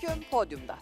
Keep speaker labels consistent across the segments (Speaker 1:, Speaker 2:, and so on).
Speaker 1: Ülküm podyumda.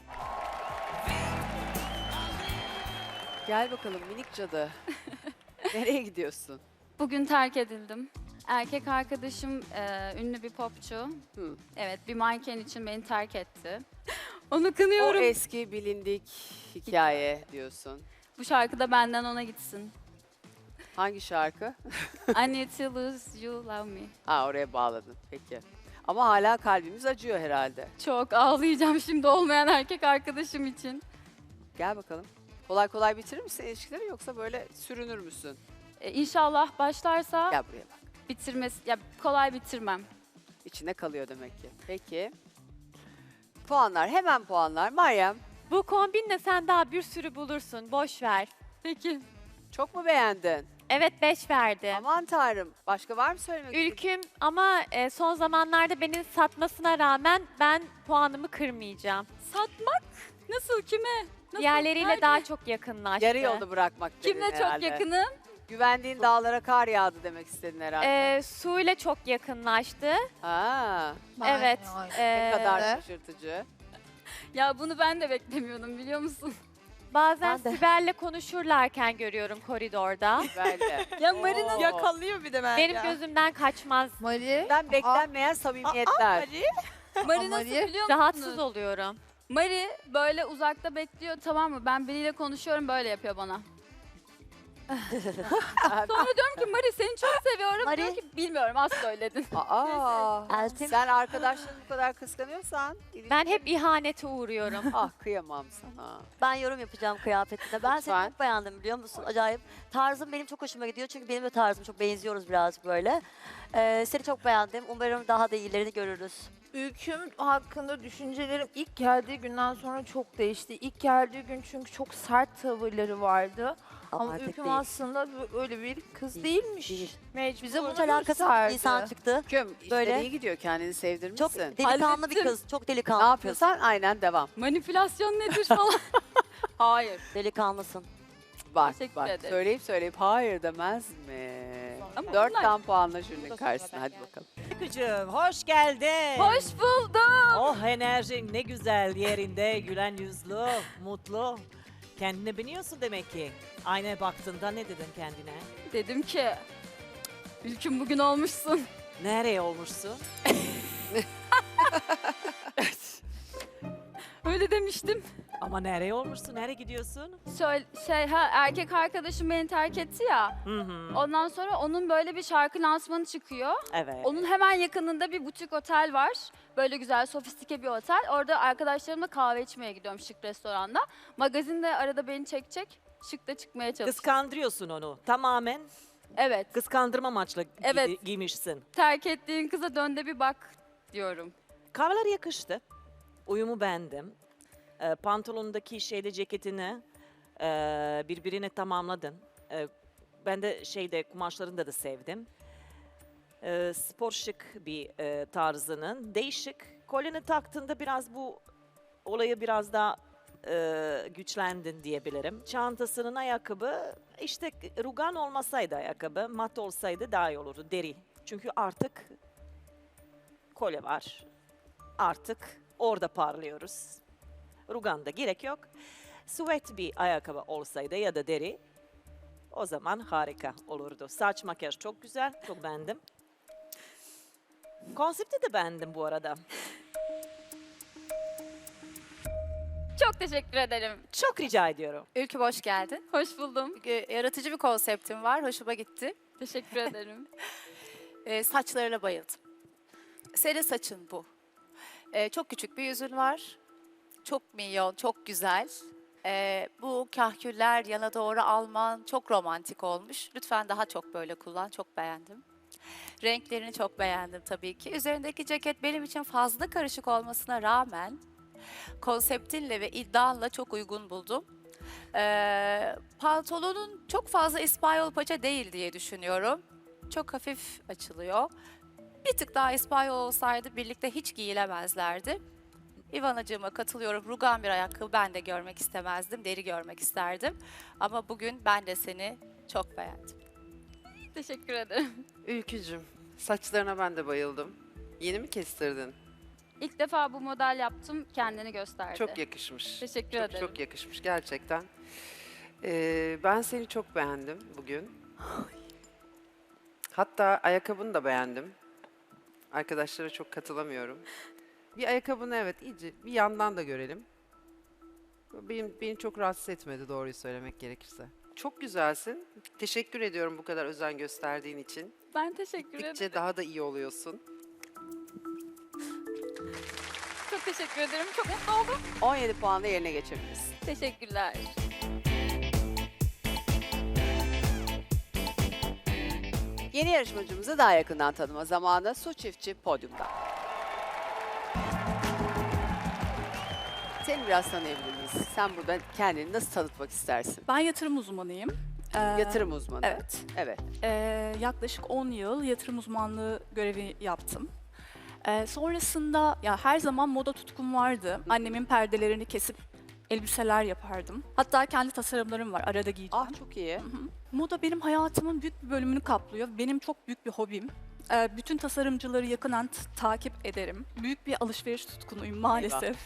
Speaker 1: Gel bakalım minik cadı. Nereye gidiyorsun?
Speaker 2: Bugün terk edildim. Erkek arkadaşım ünlü bir popçu.
Speaker 1: Hı.
Speaker 2: Evet, bir manken için beni terk etti. Onu
Speaker 1: O
Speaker 2: kınıyorum.
Speaker 1: eski bilindik hikaye diyorsun.
Speaker 2: Bu şarkı da benden ona gitsin.
Speaker 1: Hangi şarkı?
Speaker 2: I need to lose you, love me.
Speaker 1: Ha, oraya bağladın. Peki. Ama hala kalbimiz acıyor herhalde.
Speaker 2: Çok ağlayacağım şimdi olmayan erkek arkadaşım için.
Speaker 1: Gel bakalım. Kolay kolay bitirir misin ilişkileri yoksa böyle sürünür müsün?
Speaker 2: İnşallah başlarsa
Speaker 1: Gel buraya bak.
Speaker 2: bitirmesi, ya kolay bitirmem.
Speaker 1: İçinde kalıyor demek ki. Peki. Puanlar, hemen puanlar. Meryem,
Speaker 3: Bu kombinle sen daha bir sürü bulursun. Boş ver.
Speaker 2: Peki.
Speaker 1: çok mu beğendin?
Speaker 3: Evet 5 verdim.
Speaker 1: Aman tanrım. Başka var mı söylemek istediğin?
Speaker 3: Ülküm ama son zamanlarda beni satmasına rağmen ben puanımı kırmayacağım.
Speaker 2: Satmak? Nasıl, kime? Nasıl?
Speaker 3: Diğerleriyle
Speaker 2: Nerede?
Speaker 3: daha çok yakınlaştı.
Speaker 1: Yarı yolda bırakmak dedin
Speaker 2: Kimle çok
Speaker 1: herhalde.
Speaker 2: yakınım?
Speaker 1: Güvendiğin dağlara kar yağdı demek istedin herhalde.
Speaker 3: Su ile çok yakınlaştı.
Speaker 1: Ha,
Speaker 3: Evet.
Speaker 1: ne kadar
Speaker 3: Ee,
Speaker 1: şaşırtıcı.
Speaker 2: Ya bunu ben de beklemiyordum, biliyor musun?
Speaker 3: Bazen
Speaker 4: Ben de.
Speaker 3: Sibel'le konuşurlarken görüyorum koridorda.
Speaker 1: Böyle.
Speaker 2: Ya Marina
Speaker 1: Oo.
Speaker 4: Yakalıyor bir de ben
Speaker 3: Benim gözümden kaçmaz.
Speaker 4: Mari.
Speaker 1: Beklenmeyen samimiyetler.
Speaker 2: Mari nasıl
Speaker 4: Mari,
Speaker 2: biliyor musunuz?
Speaker 3: Rahatsız oluyorum.
Speaker 2: Mari böyle uzakta bekliyor, tamam mı? Ben biriyle konuşuyorum, böyle yapıyor bana. Sonra diyorum ki Mari seni çok seviyorum.
Speaker 4: Mari.
Speaker 2: Diyor ki bilmiyorum, az söyledin.
Speaker 1: Aa,
Speaker 4: Eltim.
Speaker 1: sen arkadaşlarını bu kadar kıskanıyorsan.
Speaker 3: Ben hep ihanete uğruyorum.
Speaker 1: Ah, kıyamam sana.
Speaker 4: Ben yorum yapacağım kıyafetine. Ben
Speaker 1: Lütfen.
Speaker 4: seni çok beğendim biliyor musun? Acayip. Tarzım benim çok hoşuma gidiyor çünkü benim de tarzım çok benziyoruz biraz böyle. Seni çok beğendim. Umarım daha da iyilerini görürüz.
Speaker 5: Ülküm hakkında düşüncelerim ilk geldiği günden sonra çok değişti. İlk geldiği gün çünkü çok sert tavırları vardı. Ama
Speaker 4: artık
Speaker 5: Ülküm
Speaker 4: değil.
Speaker 5: aslında öyle bir kız değilmiş.
Speaker 4: Değil.
Speaker 5: Bize bunu
Speaker 4: Hiç alakası yok.
Speaker 5: gösterdi.
Speaker 4: İnsan çıktı.
Speaker 1: Ülküm, işleri
Speaker 4: Böyle.
Speaker 1: iyi gidiyor. Kendini sevdirmişsin.
Speaker 4: Çok delikanlı bir
Speaker 2: Hallettim.
Speaker 4: kız. Çok
Speaker 1: Ne
Speaker 4: delikanlı bir kız.
Speaker 1: yapıyorsan aynen devam.
Speaker 2: Manipülasyon nedir falan. Hayır.
Speaker 4: Delikanlısın.
Speaker 1: Bak
Speaker 2: Teşekkür
Speaker 1: bak
Speaker 2: ederim.
Speaker 1: söyleyip hayır demez mi?
Speaker 2: Ama
Speaker 1: 4
Speaker 2: bunlar-
Speaker 1: tam puanla jürinin karşısına, hadi bakalım.
Speaker 6: Kızım hoş geldin.
Speaker 2: Hoş buldum.
Speaker 6: Oh, enerjin ne güzel yerinde, gülen yüzlü, mutlu. Kendine biniyorsun demek ki. Aynaya baktığında ne dedin kendine?
Speaker 2: Dedim ki Ülküm bugün olmuşsun.
Speaker 6: Nereye olmuşsun?
Speaker 2: Öyle demiştim.
Speaker 6: Ama nereye olmuşsun? Nereye gidiyorsun?
Speaker 2: Erkek arkadaşım beni terk etti ya.
Speaker 6: Hı hı.
Speaker 2: Ondan sonra onun böyle bir şarkı lansmanı çıkıyor.
Speaker 6: Evet.
Speaker 2: Onun hemen yakınında bir butik otel var. Böyle güzel, sofistike bir otel. Orada arkadaşlarımla kahve içmeye gidiyorum şık restoranda. Magazin de arada beni çekecek. Şık da çıkmaya çalışıyor.
Speaker 6: Kıskandırıyorsun onu. Tamamen
Speaker 2: Evet.
Speaker 6: kıskandırma amaçlı
Speaker 2: Evet.
Speaker 6: giymişsin.
Speaker 2: Terk ettiğin kıza dön de bir bak diyorum.
Speaker 6: Kahveler yakıştı. Uyumu beğendim. Pantolondaki ceketini birbirine tamamladın. Ben de kumaşlarını da sevdim. Spor şık bir tarzının. Değişik. Kolyeni taktığında biraz bu olayı biraz daha güçlendin diyebilirim. Çantasının ayakkabı işte rugan olmasaydı ayakkabı, mat olsaydı daha iyi olurdu, deri. Çünkü artık kolye var. Artık orada parlıyoruz. Rugan da gerek yok. Süet bir ayakkabı olsaydı ya da deri, o zaman harika olurdu. Saç makyaj çok güzel, çok beğendim. Konsepti de beğendim bu arada.
Speaker 2: Çok teşekkür ederim.
Speaker 6: Çok rica ediyorum.
Speaker 7: Ülkü hoş geldin.
Speaker 2: Hoş buldum.
Speaker 7: Yaratıcı bir konseptin var. Hoşuma gitti.
Speaker 2: Teşekkür ederim.
Speaker 7: Saçlarına bayıldım. Senin saçın bu. Çok küçük bir yüzün var. Çok minyon, çok güzel. Bu kahküller yana doğru alman çok romantik olmuş. Lütfen daha çok böyle kullan. Çok beğendim. Renklerini çok beğendim tabii ki. Üzerindeki ceket benim için fazla karışık olmasına rağmen konseptinle ve iddianla çok uygun buldum. Pantolonun çok fazla İspanyol paça değil diye düşünüyorum. Çok hafif açılıyor. Bir tık daha İspanyol olsaydı birlikte hiç giyilemezlerdi. İvanacığıma katılıyorum. Rugan bir ayakkabı ben de görmek istemezdim. Deri görmek isterdim. Ama bugün ben de seni çok beğendim.
Speaker 2: Teşekkür ederim.
Speaker 8: Ülkücüm, saçlarına ben de bayıldım. Yeni mi kestirdin?
Speaker 2: İlk defa bu model yaptım, kendini gösterdi.
Speaker 8: Çok yakışmış.
Speaker 2: Teşekkür
Speaker 8: çok,
Speaker 2: ederim.
Speaker 8: Çok yakışmış gerçekten. Ben seni çok beğendim bugün. Hatta ayakkabını da beğendim. Arkadaşlara çok katılamıyorum. Bir ayakkabını evet iyice bir yandan da görelim. Beni çok rahatsız etmedi doğruyu söylemek gerekirse. Çok güzelsin. Teşekkür ediyorum bu kadar özen gösterdiğin için.
Speaker 2: Ben teşekkür
Speaker 8: Gittikçe
Speaker 2: ederim.
Speaker 8: daha da iyi oluyorsun.
Speaker 2: Çok teşekkür ederim. Çok mutlu oldum.
Speaker 1: 17 puanla yerine geçebiliriz.
Speaker 2: Teşekkürler.
Speaker 1: Yeni yarışmacımızı daha yakından tanıma zamanı. Su Çiftçi podyumda. Seni biraz tanıyabilir miyiz? Sen burada kendini nasıl tanıtmak istersin?
Speaker 9: Ben yatırım uzmanıyım.
Speaker 1: Yatırım uzmanı.
Speaker 9: Evet.
Speaker 1: Evet.
Speaker 9: Yaklaşık 10 yıl yatırım uzmanlığı görevi yaptım. Sonrasında ya her zaman moda tutkum vardı. Annemin perdelerini kesip elbiseler yapardım. Hatta kendi tasarımlarım var. Arada giyeceğim.
Speaker 1: Ah çok iyi.
Speaker 9: Moda benim hayatımın büyük bir bölümünü kaplıyor. Benim çok büyük bir hobim. Bütün tasarımcıları yakından takip ederim. Büyük bir alışveriş tutkunuyum maalesef.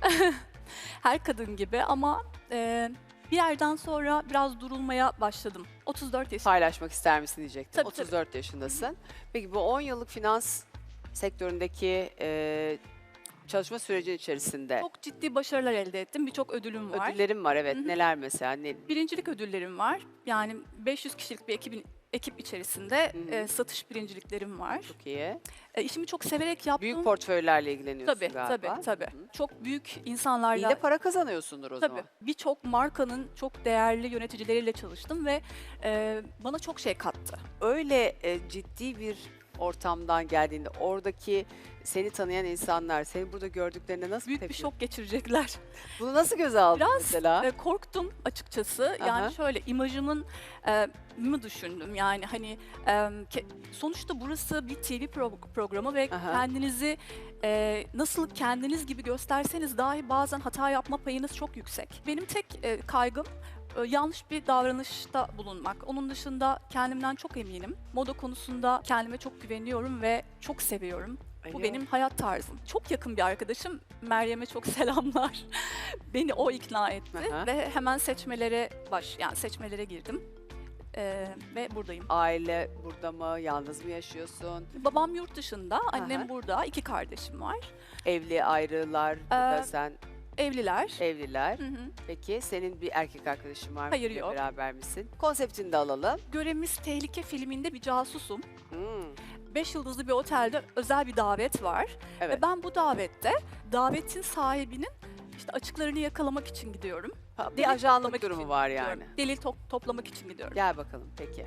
Speaker 9: Her kadın gibi ama bir yerden sonra biraz durulmaya başladım. 34 yaşındayım.
Speaker 1: Paylaşmak ister misin diyecektim.
Speaker 9: Tabii, tabii.
Speaker 1: 34 yaşındasın. Peki bu 10 yıllık finans sektöründeki çalışma süreci içerisinde
Speaker 9: Çok ciddi başarılar elde ettim. Birçok ödülüm var.
Speaker 1: ödüllerim var evet.
Speaker 9: Hı hı.
Speaker 1: Neler mesela? Ne?
Speaker 9: Birincilik ödüllerim var. Yani 500 kişilik bir ekip içerisinde
Speaker 1: Hı hı.
Speaker 9: satış birinciliklerim var.
Speaker 1: Çok iyi.
Speaker 9: İşimi çok severek yaptım.
Speaker 1: Büyük portföylerle ilgileniyorsun
Speaker 9: Tabii,
Speaker 1: galiba.
Speaker 9: tabii.
Speaker 1: Hı.
Speaker 9: Çok büyük
Speaker 1: İyi
Speaker 9: insanlarla.
Speaker 1: de para kazanıyorsundur o
Speaker 9: Tabii.
Speaker 1: zaman.
Speaker 9: Birçok markanın çok değerli yöneticileriyle çalıştım ve bana çok şey kattı.
Speaker 1: Öyle ciddi bir ortamdan geldiğinde oradaki seni tanıyan insanlar seni burada gördüklerinde nasıl
Speaker 9: Büyük bir
Speaker 1: tepki-
Speaker 9: şok geçirecekler.
Speaker 1: Bunu nasıl göze aldın
Speaker 9: Biraz
Speaker 1: mesela?
Speaker 9: Korktum açıkçası. Yani
Speaker 1: Aha.
Speaker 9: şöyle imajımın mı düşündüm. Yani hani sonuçta burası bir TV programı ve
Speaker 1: Aha.
Speaker 9: kendinizi nasıl kendiniz gibi gösterseniz dahi bazen hata yapma payınız çok yüksek. Benim tek kaygım yanlış bir davranışta bulunmak. Onun dışında kendimden çok eminim. Moda konusunda kendime çok güveniyorum ve çok seviyorum. Bu
Speaker 8: Alo.
Speaker 9: benim hayat tarzım. Çok yakın bir arkadaşım. Meryem'e çok selamlar. Beni o ikna etti
Speaker 1: Aha.
Speaker 9: ve hemen seçmelere girdim. Ve buradayım.
Speaker 1: Aile burada mı? Yalnız mı yaşıyorsun?
Speaker 9: Babam yurt dışında, annem
Speaker 1: Aha.
Speaker 9: burada. 2 kardeşim var.
Speaker 1: Evli ayrılar, burada sen
Speaker 9: Evliler.
Speaker 1: evliler.
Speaker 9: Hı hı.
Speaker 1: Peki senin bir erkek arkadaşın var mı?
Speaker 9: Hayır,
Speaker 1: Biriyle
Speaker 9: yok.
Speaker 1: Beraber misin? Konseptini de alalım.
Speaker 9: Görevimiz Tehlike filminde bir casusum.
Speaker 1: Hmm,
Speaker 9: 5 yıldızlı bir otelde özel bir davet var.
Speaker 1: Evet.
Speaker 9: Ve ben bu davetin sahibinin işte açıklarını yakalamak için gidiyorum.
Speaker 1: Ha, bir
Speaker 9: Delil
Speaker 1: ajanlık
Speaker 9: toplamak
Speaker 1: durumu
Speaker 9: için
Speaker 1: var
Speaker 9: gidiyorum.
Speaker 1: yani.
Speaker 9: Delil toplamak için gidiyorum.
Speaker 1: Gel bakalım peki.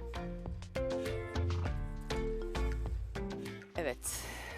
Speaker 1: Evet.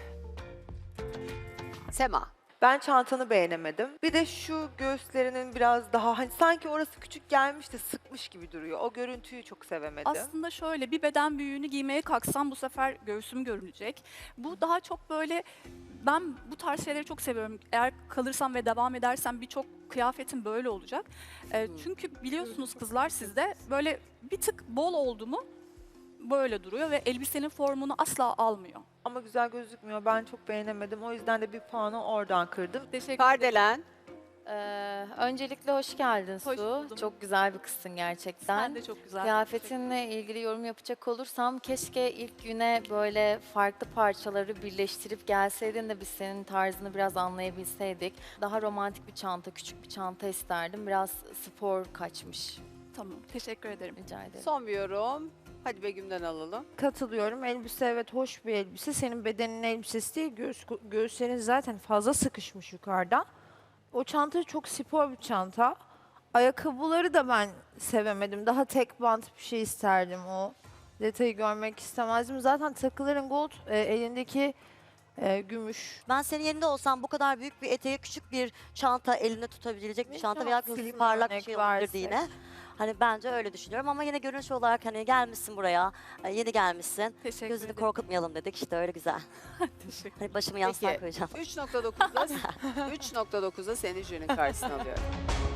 Speaker 1: Sema.
Speaker 5: Ben çantanı beğenemedim. Bir de şu göğüslerinin biraz daha hani sanki orası küçük gelmiş de sıkmış gibi duruyor. O görüntüyü çok sevemedim.
Speaker 9: Aslında şöyle bir beden büyüğünü giymeye kalksam bu sefer göğsüm görünecek. Bu daha çok böyle ben bu tarz şeyleri çok seviyorum. Eğer kalırsam ve devam edersem birçok kıyafetim böyle olacak. Çünkü biliyorsunuz kızlar sizde böyle bir tık bol oldu mu böyle duruyor ve elbisenin formunu asla almıyor.
Speaker 5: Ama güzel gözükmüyor. Ben çok beğenemedim. O yüzden de bir puanı oradan kırdım.
Speaker 9: Teşekkür ederim.
Speaker 1: Kardelen.
Speaker 10: Öncelikle hoş geldin
Speaker 9: Hoş
Speaker 10: Su.
Speaker 9: buldum.
Speaker 10: Çok güzel bir kızsın gerçekten.
Speaker 9: Sen de çok güzel.
Speaker 10: Kıyafetinle ilgili yorum yapacak olursam keşke ilk güne böyle farklı parçaları birleştirip gelseydin de biz senin tarzını biraz anlayabilseydik. Daha romantik bir çanta, küçük bir çanta isterdim. Biraz spor kaçmış.
Speaker 9: Tamam, teşekkür ederim.
Speaker 10: Rica ederim.
Speaker 1: Son bir yorum. Hadi Begüm'den alalım.
Speaker 5: Katılıyorum. Elbise evet hoş bir elbise. Senin bedenin elbisesi değil. Göğüslerin zaten fazla sıkışmış yukarıda. O çanta çok spor bir çanta. Ayakkabıları da ben sevemedim. Daha tek bant bir şey isterdim o. Detayı görmek istemezdim. Zaten takıların gold, elindeki gümüş.
Speaker 4: Ben senin yerinde olsam bu kadar büyük bir eteği küçük bir çanta elinde tutabilecek bir
Speaker 5: Ne
Speaker 4: çanta
Speaker 5: çok
Speaker 4: veya
Speaker 5: film
Speaker 4: parlak bir
Speaker 5: örnek
Speaker 4: şey olabilirdi
Speaker 5: versek.
Speaker 4: yine. Hani bence öyle düşünüyorum ama yine görünüş olarak hani gelmişsin buraya, yeni gelmişsin.
Speaker 9: Teşekkür
Speaker 4: Gözünü
Speaker 9: ederim.
Speaker 4: korkutmayalım dedik işte öyle güzel.
Speaker 9: Teşekkür
Speaker 4: Hani başımı yastığa
Speaker 1: Peki.
Speaker 4: koyacağım.
Speaker 1: 3.9'da 3.9'da seni jürinin karşısına alıyorum.